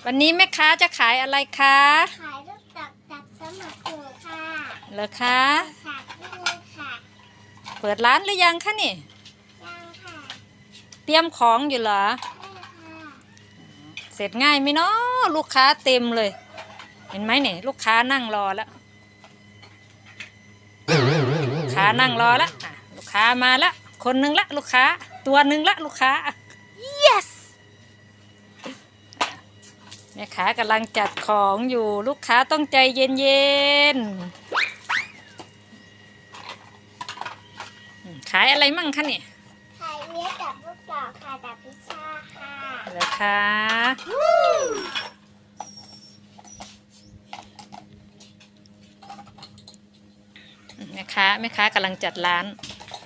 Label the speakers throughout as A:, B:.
A: วันนี้แม่ค้าจะขายอะไรคะ
B: ขายลูกดอกจับสมัครอยู่ค่ะ
A: เหรอคะ
B: ฝากด้วยค่ะ
A: เปิดร้านหรือยังคะนี่
B: ยังค่ะ
A: เตรียมของอยู่เหรอ
B: ได้ค่ะ
A: เสร็จง่ายไหมเนาะลูกค้าเต็มเลยเห็นไหมเนี่ยลูกค้านั่งรอแล้วลูกค้านั่งรอแล้วลูกค้ามาแล้วคนหนึ่งละลูกค้าตัวหนึ่งละลูกค้า yes แม่ค้ากำลังจัดของอยู่ลูกค้าต้องใจเย็นๆขายอะไรมั่งคะเนี่ย
B: ขายเนื้อกับลูกดอกค่ะกับพิซซ่าค่ะ
A: เหรอคะแม่ค้ากำลังจัดร้าน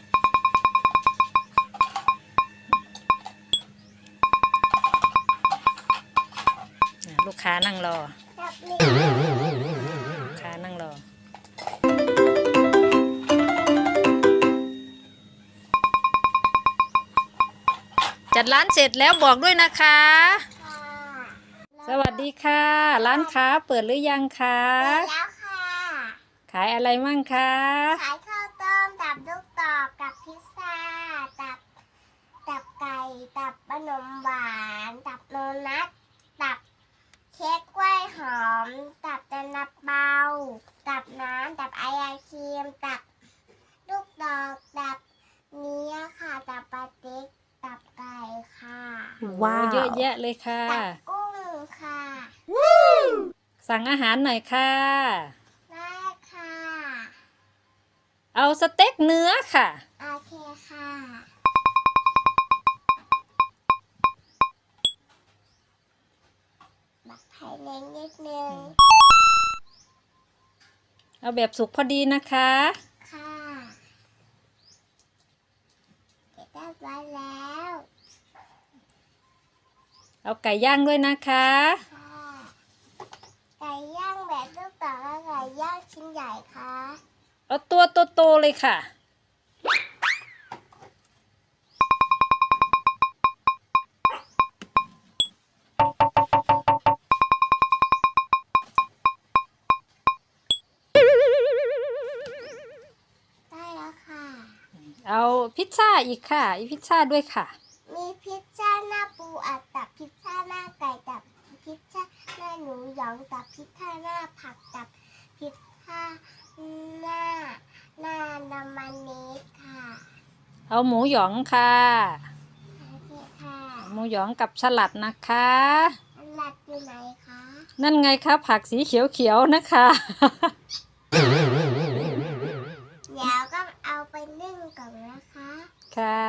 A: ลูกค้านั่งรอลูกค้านั่งรอจัดร้านเสร็จแล้วบอกด้วยนะคะสวัสดีค่ะร้านค้าเปิดหรือยังคะ
B: เปิดแล้วค่ะ
A: ขายอะไรมั่งคะ
B: ขายข้าวต้มกับลูกดอกกับพิซซ่าตับไก่ตับขนมหวานตับโดนัทตับเค้กกล้วยหอมตับแต่นับเบาตับน้ำตับไอศครีมตับลูกดอกตับเนื้อค่ะตับปลาติ๊กตับไก่ค่ะ
A: ว้าวเยอะแยะเลยค่ะ
B: ตับกุ้งค่ะ
A: สั่งอาหารหน่อยค่ะ
B: ได้ค่ะ
A: เอาสเต็กเนื้อค่ะ
B: โอเคค่ะบักไผ่เล้งนิดนึง
A: เอาแบบสุกพอดีนะคะ
B: ค่ะเก็บได้ไว้แล้ว
A: เอาไก่ย่างด้วยนะคะ
B: ค่ะไก่ย่างแบบลูกดอกและไก่ย่างชิ้นใหญ่ค่ะ
A: เอาตัวโตๆเลยค่ะ
B: ได้แล้วค่ะ
A: เอาพิซซ่าอีกค่ะอีพิซซ่าด้วยค่ะ
B: มีพิซซ่าหน้าปูอัดตับพิซซ่าหน้าไก่ตับพิซซ่าหน้าหนูหยองตับพิซซ่าหน้าผักตับพิซซ่าหน้าน้ำมันนิดค่ะ
A: เอาหมูหยองค่ะ
B: โอเคค่ะ
A: หมูหยองกับสลัดนะคะ
B: สลัดอยู่ไหนคะ
A: นั่นไงคะผักสีเขียวๆนะคะ
B: เดี๋ยวก็เอาไปนึ่งก่อนนะคะ
A: ค่ะ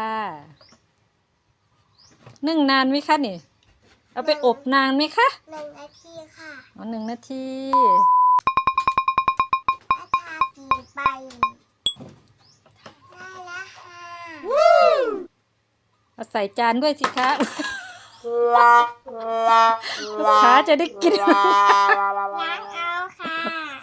A: นึ่งนานไหมคะนี่เอาไปอบนานไหมคะ
B: 1 นาทีค่ะ
A: อ๋อ1 นาที
B: ถ้าทากินไปได้แล้วค่ะ
A: เอาใส่จานด้วยสิคะลูกค้าจะได้กิน
B: ล้างเอาค่ะ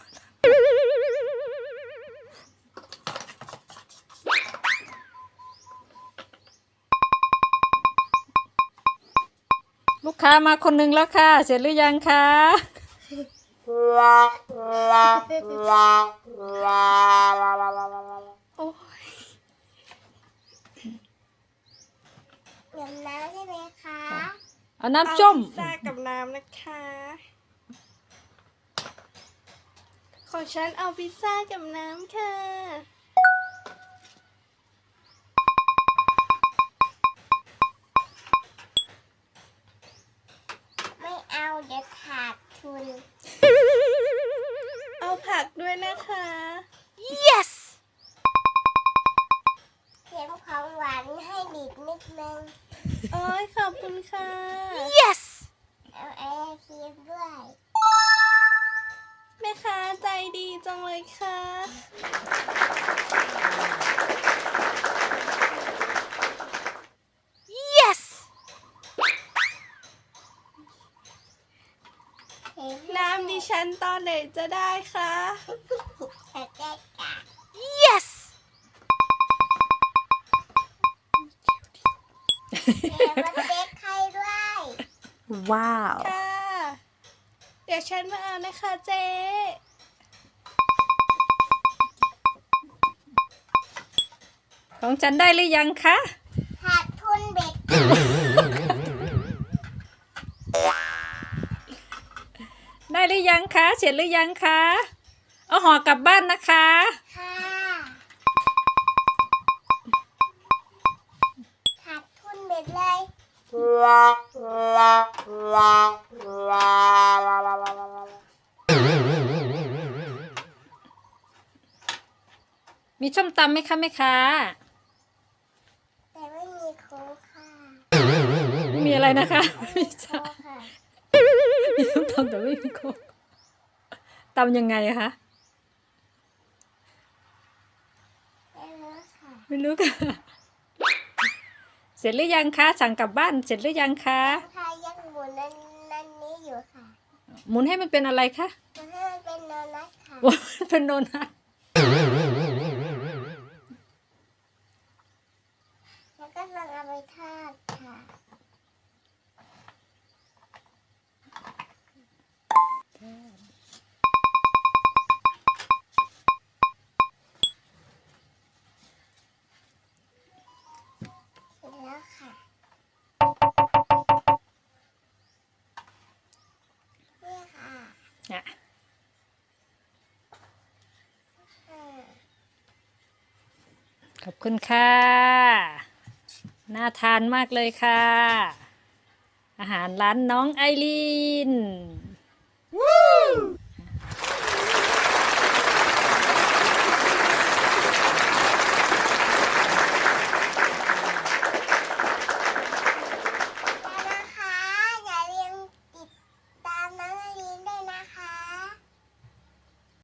A: ลูกค้ามาคนหนึ่งแล้วค่ะเสร็จหรือยังคะโอ้ย
B: เติมน้ำใช่ไหมคะ
A: เอาน้ำส้ม
C: พิซซ่ากับน้ำนะคะของฉันเอาพิซซ่ากับน้ำค่ะ
B: ไม่เอาเดี๋ยวขาดทุน
C: เอาผักด้วยนะคะ
A: yes
B: เค็มของหวานให้บีบนิดนึง
C: โอ้ยขอบคุณค่ะ
A: yes
B: เอาไอศครีมด้วย
C: แม่ค้าใจดีจังเลยค่ะ
A: yes
C: น้ำดิฉันตอนไหนจะได้คะ
A: yes
B: เดี๋ยวมาเด็กใครด้วย
A: ว้าว
C: ค่ะยวฉันมาเอานะคะเจ๊
A: ของฉันได้หรือยังคะ
B: ขาดทุนเบ็ด
A: ได้หรือยังคะเสร็จหรือยังคะเอาห่อกลับบ้านนะคะ
B: ค่ะขาดทุนเบ็ดเลย
A: มีส้มตำไหมคะแม่ค้า
B: แต่ไม่มีโค้กค่ะ
A: ไม่มีอะไรนะคะ
B: ไม่มีโค้กค่ะ
A: มีส้มตำแต่ไม่มีโค้กตำยังไงคะ
B: ไม่รู้ค่ะ
A: ไม่รู้ค่ะ เสร็จหรือยังคะสั่งกลับบ้านเสร็จหรือยังคะ
B: พายังหมุนนั่นนี้อยู่ค่ะ
A: หมุนให้มันเป็นอะไรคะ
B: มันให้มันเป็นโดนัทค่ะ
A: ว่ามันเป็นโดนัท
B: แล้วก็ลองเอาไปทอดค่ะเสร็จแล้วค่ะนี่ค่ะ
A: อ่ะ ขอบคุณค่ะ น่าทานมากเลยค่ะ อาหารร้านน้องไอรีน